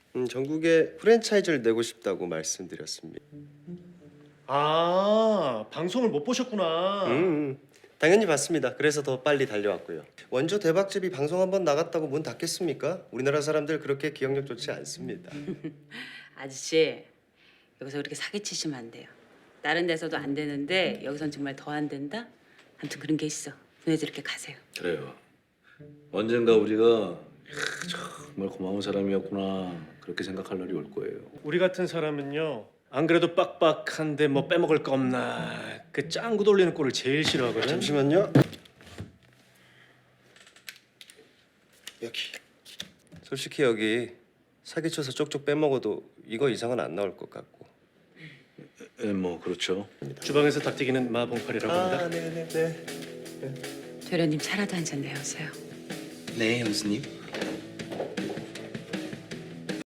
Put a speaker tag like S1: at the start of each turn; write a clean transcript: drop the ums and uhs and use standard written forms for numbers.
S1: 전국에 프랜차이즈를 내고 싶다고 말씀드렸습니다.
S2: 아, 방송을 못 보셨구나.
S1: 당연히 봤습니다. 그래서 더 빨리 달려왔고요. 원조 대박집이 방송 한번 나갔다고 문 닫겠습니까? 우리나라 사람들 그렇게 기억력 좋지 않습니다.
S3: 아저씨 여기서 그렇게 사기치시면 안 돼요. 다른 데서도 안 되는데 여기선 정말 더 안 된다? 아무튼 그런 게 있어. 보내서 이렇게 가세요.
S4: 그래요. 언젠가 우리가 정말 고마운 사람이었구나 그렇게 생각할 날이 올 거예요.
S2: 우리 같은 사람은요. 안 그래도 빡빡한데 뭐 빼먹을 거 없나. 그 짱구 돌리는 꼴을 제일 싫어하거든.
S1: 잠시만요. 여기. 솔직히 여기 사기쳐서 쪽쪽 빼먹어도 이거 이상은 안 나올 것 같고.
S4: 뭐 그렇죠.
S2: 주방에서 닭튀기는 마봉팔이라고 합니다.
S1: 네네네.
S3: 도련님 차라도 한 잔 내오세요.
S4: 네, 형수님.